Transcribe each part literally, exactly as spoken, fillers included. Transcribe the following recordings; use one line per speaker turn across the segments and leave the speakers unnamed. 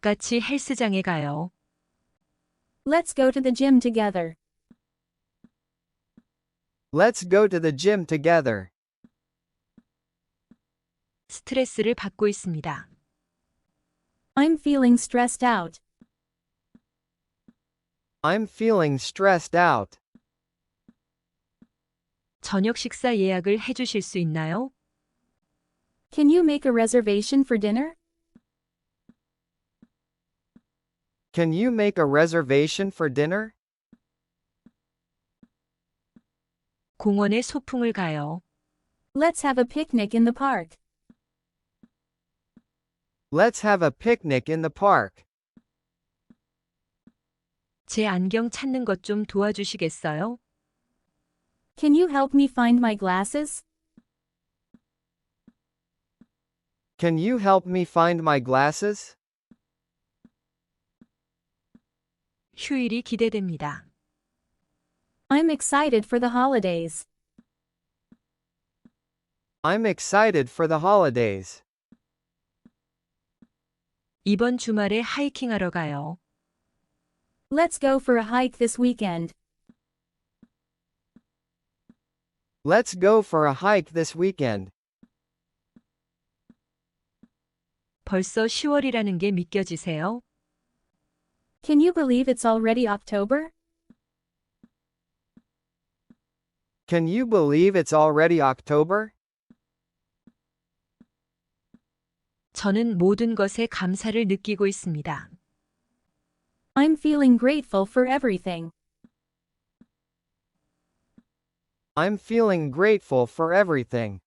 같이 헬스장에 가요.
Let's go to the gym together.
Let's go to the gym together.
스트레스를 받고 있습니다.
I'm feeling stressed out.
I'm feeling stressed out.
저녁 식사 예약을 해주실 수 있나요?
Can you make a reservation for dinner?
Can you make a reservation for dinner?
공원에 소풍을 가요.
Let's have a picnic in the park.
Let's have a picnic in the park.
제 안경 찾는 것 좀 도와주시겠어요?
Can you help me find my glasses?
Can you help me find my glasses?
휴일이 기대됩니다.
I'm excited for the holidays.
I'm excited for the holidays.
이번 주말에 하이킹하러 가요.
Let's go for a hike this weekend.
Let's go for a hike this weekend.
벌써 시월이라는 게 믿겨지세요?
Can you believe it's already October?
Can you believe it's already October?
저는 모든 것에 감사를 느끼고 있습니다.
I'm feeling grateful for everything.
I'm feeling grateful for everything.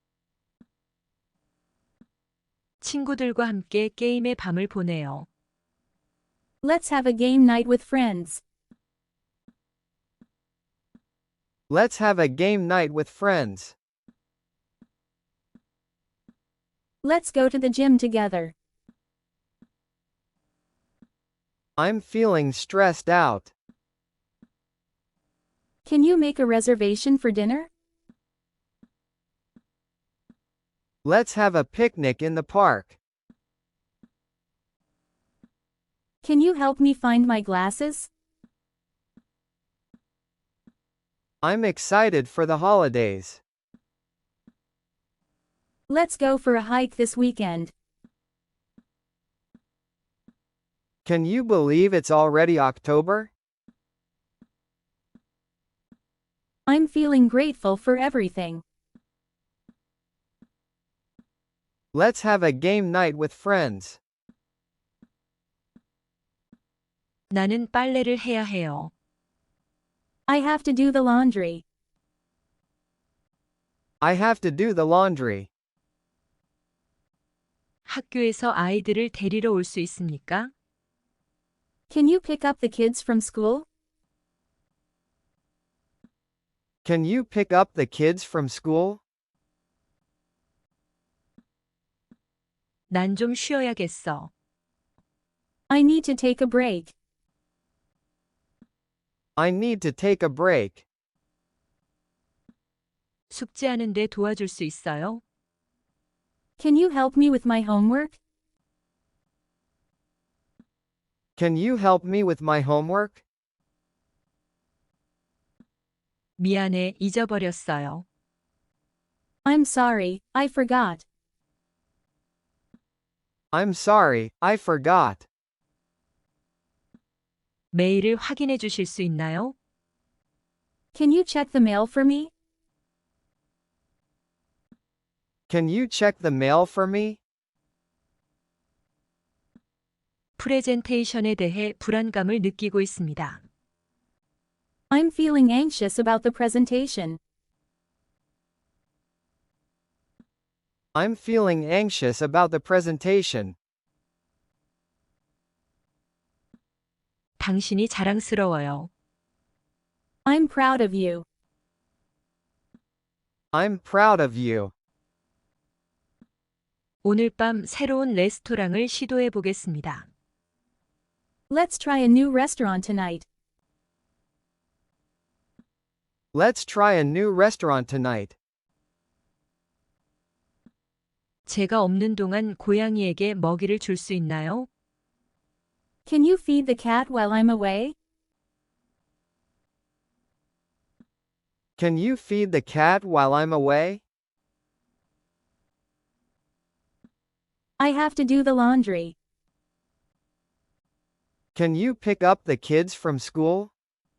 친구들과 함께 게임의 밤을 보내요.
Let's have a game night with friends.
Let's have a game night with friends.
Let's go to the gym together.
I'm feeling stressed out.
Can you make a reservation for dinner?
Let's have a picnic in the park.
Can you help me find my glasses?
I'm excited for the holidays.
Let's go for a hike this weekend.
Can you believe it's already October?
I'm feeling grateful for everything.
Let's have a game night with friends.
나는 빨래를 해야 해요.
I have to do the laundry.
I have to do the laundry.
학교에서 아이들을 데리러 올 수 있습니까?
Can you pick up the kids from school?
Can you pick up the kids from school?
난 좀 쉬어야겠어.
I need to take a break.
I need to take a break.
숙제하는데 도와줄 수 있어요?
Can you help me with my homework?
Can you help me with my homework?
미안해, 잊어버렸어요.
I'm sorry, I forgot.
I'm sorry, I forgot.
메일을 확인해 주실 수 있나요?
Can you check the mail for me?
Can you check the mail for me?
프레젠테이션에 대해 불안감을 느끼고 있습니다.
I'm feeling anxious about the presentation.
I'm feeling anxious about the presentation.
당신이 자랑스러워요.
I'm proud of you.
I'm proud of you.
오늘 밤 새로운 레스토랑을 시도해 보겠습니다.
Let's try a new restaurant tonight.
Let's try a new restaurant tonight.
제가 없는 동안 고양이에게 먹이를 줄 수 있나요?
Can you feed the cat while I'm away?
Can you feed the cat while I'm away?
I have to do the laundry.
Can you pick up the kids from school?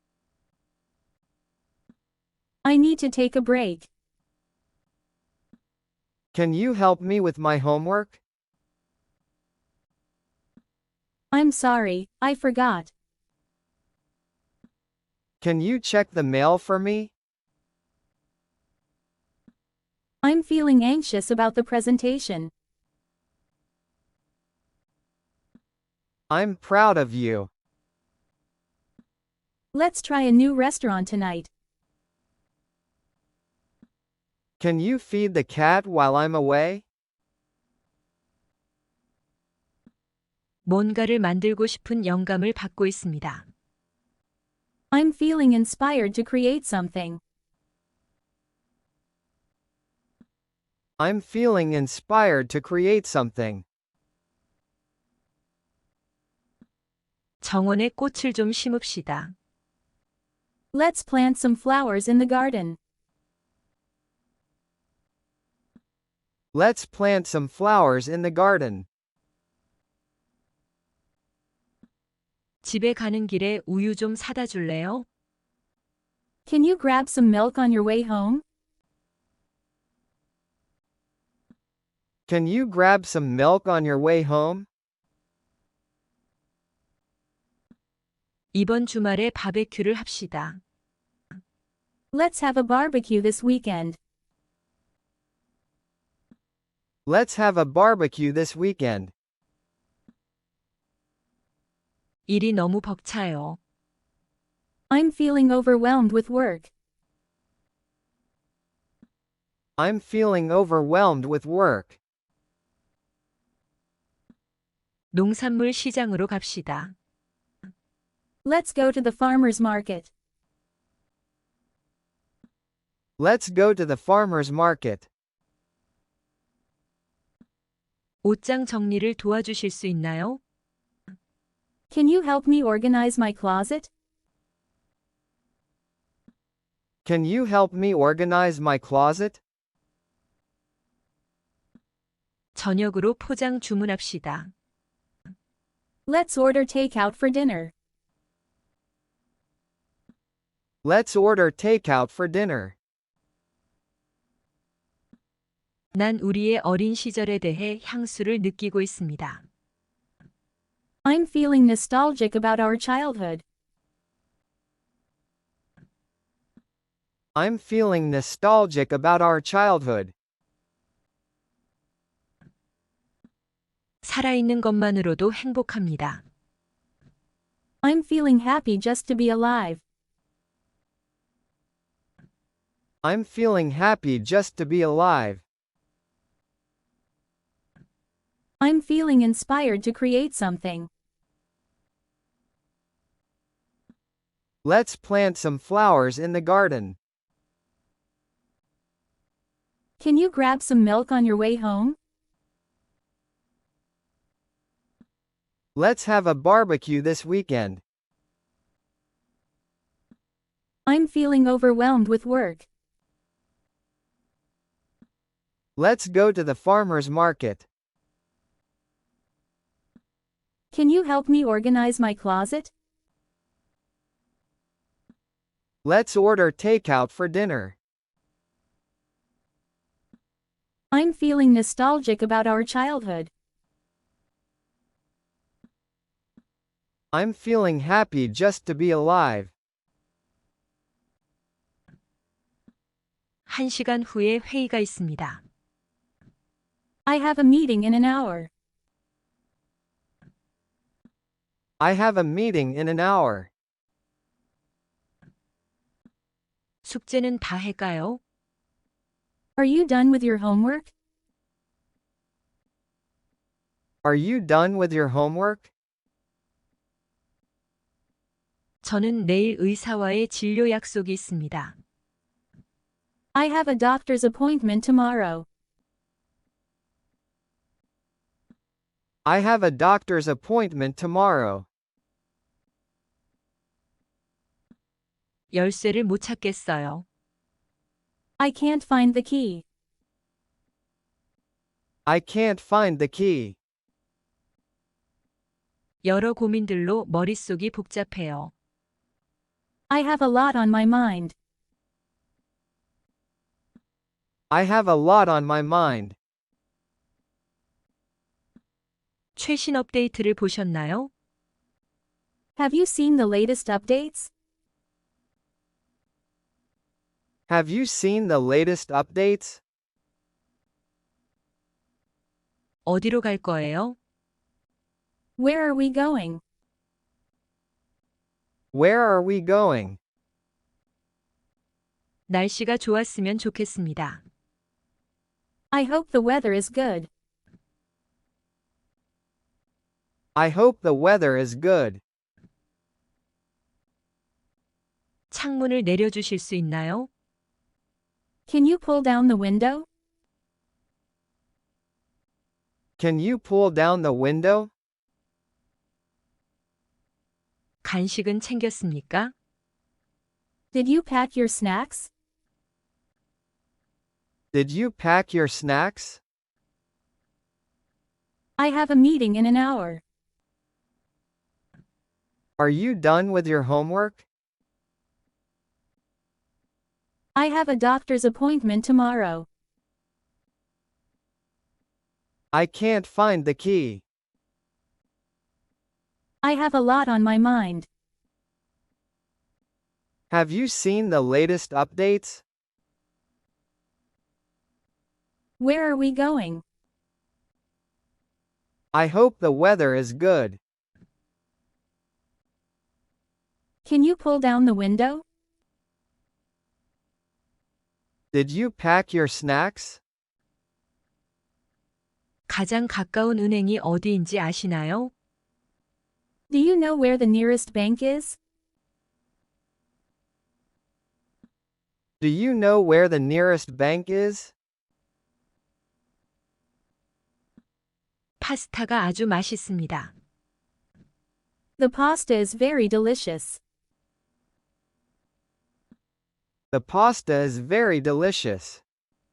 I need to take a break.
Can you help me with my homework?
I'm sorry, I forgot.
Can you check the mail for me?
I'm feeling anxious about the presentation.
I'm proud of you.
Let's try a new restaurant tonight.
Can you feed the cat while I'm away?
뭔가를 만들고 싶은 영감을 받고 있습니다.
I'm feeling inspired to create something.
I'm feeling inspired to create something.
정원에 꽃을 좀 심읍시다.
Let's plant some flowers in the garden.
Let's plant some flowers in the garden.
집에 가는 길에 우유 좀 사다 줄래요?
Can you grab some milk on your way home?
Can you grab some milk on your way home?
이번 주말에 바베큐를 합시다.
Let's have a barbecue this weekend.
Let's have a barbecue this weekend.
일이 너무 벅차요.
I'm feeling overwhelmed with work.
I'm feeling overwhelmed with work.
농산물 시장으로 갑시다.
Let's go to the farmer's market.
Let's go to the farmer's market.
옷장 정리를 도와주실 수 있나요?
Can you help me organize my closet?
Can you help me organize my closet?
저녁으로 포장 주문합시다.
Let's order takeout for dinner.
Let's order takeout for dinner.
난 우리의 어린 시절에 대해 향수를 느끼고 있습니다.
I'm feeling nostalgic about our childhood.
I'm feeling nostalgic about our childhood.
살아있는 것만으로도 행복합니다.
I'm feeling happy just to be alive.
I'm feeling happy just to be alive.
I'm feeling inspired to create something.
Let's plant some flowers in the garden.
Can you grab some milk on your way home?
Let's have a barbecue this weekend.
I'm feeling overwhelmed with work.
Let's go to the farmer's market.
Can you help me organize my closet?
Let's order takeout for dinner.
I'm feeling nostalgic about our childhood.
I'm feeling happy just to be alive.
한 시간 후에 회의가 있습니다.
I have a meeting in an hour.
I have a meeting in an hour.
숙제는 다 할까요?
Are you done with your homework?
Are you done with your homework?
저는 내일 의사와의 진료 약속이 있습니다.
I have a doctor's appointment tomorrow.
I have a doctor's appointment tomorrow.
열쇠를 못 찾겠어요.
I can't find the key.
I can't find the key.
여러 고민들로 머릿속이 복잡해요.
I have a lot on my mind.
I have a lot on my mind.
최신 업데이트를 보셨나요?
Have you seen the latest updates?
Have you seen the latest updates?
어디로 갈 거예요?
Where are we going?
Where are we going?
날씨가 좋았으면 좋겠습니다.
I hope the weather is good.
I hope the weather is good.
창문을 내려주실 수 있나요?
Can you pull down the window?
Can you pull down the window?
간식은 챙겼습니까?
Did you pack your snacks?
Did you pack your snacks?
I have a meeting in an hour.
Are you done with your homework?
I have a doctor's appointment tomorrow.
I can't find the key.
I have a lot on my mind.
Have you seen the latest updates?
Where are we going?
I hope the weather is good.
Can you pull down the window?
Did you pack your snacks?
가장 가까운 은행이 어디인지 아시나요?
Do you know where the nearest bank is?
Do you know where the nearest bank is?
파스타가 아주 맛있습니다.
The pasta is very delicious.
The pasta is very delicious.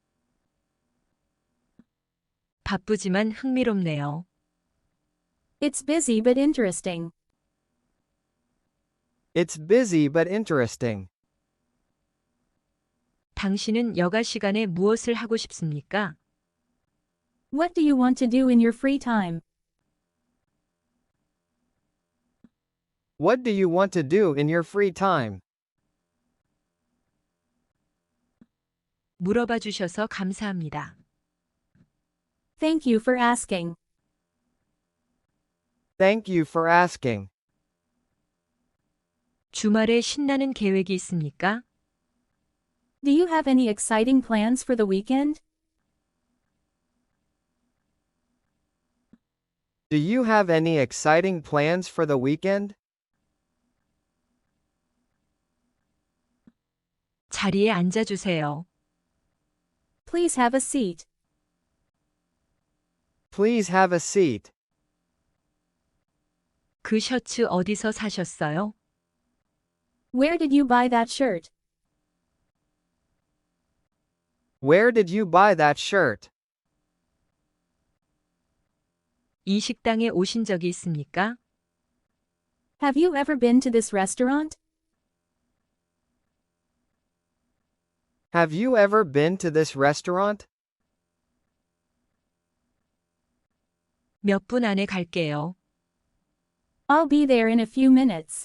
바쁘지만 흥미롭네요.
It's busy but interesting.
It's busy but interesting.
당신은 여가 시간에 무엇을 하고 싶습니까?
What do you want to do in your free time?
What do you want to do in your free time?
물어봐 주셔서 감사합니다.
Thank you for asking.
Thank you for asking.
주말에 신나는 계획이 있습니까?
Do you have any exciting plans for the weekend?
Do you have any exciting plans for the weekend?
자리에 앉아 주세요.
Please have a seat.
Please have a seat.
그 셔츠 어디서 사셨어요?
Where did you buy that shirt?
Where did you buy that shirt?
이 식당에 오신 적이 있습니까?
Have you ever been to this restaurant?
Have you ever been to this restaurant?
몇 분 안에 갈게요.
I'll be there in a few minutes.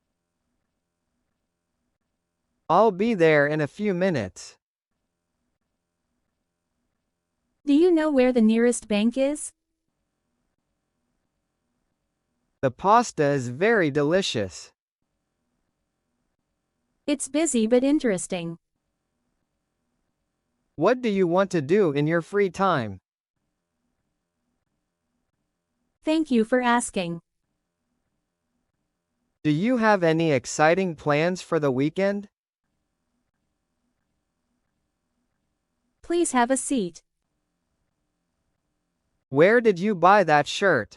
I'll be there in a few minutes.
Do you know where the nearest bank is?
The pasta is very delicious.
It's busy but interesting.
What do you want to do in your free time?
Thank you for asking.
Do you have any exciting plans for the weekend?
Please have a seat.
Where did you buy that shirt?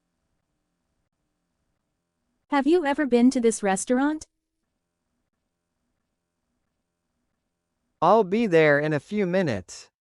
Have you ever been to this restaurant?
I'll be there in a few minutes.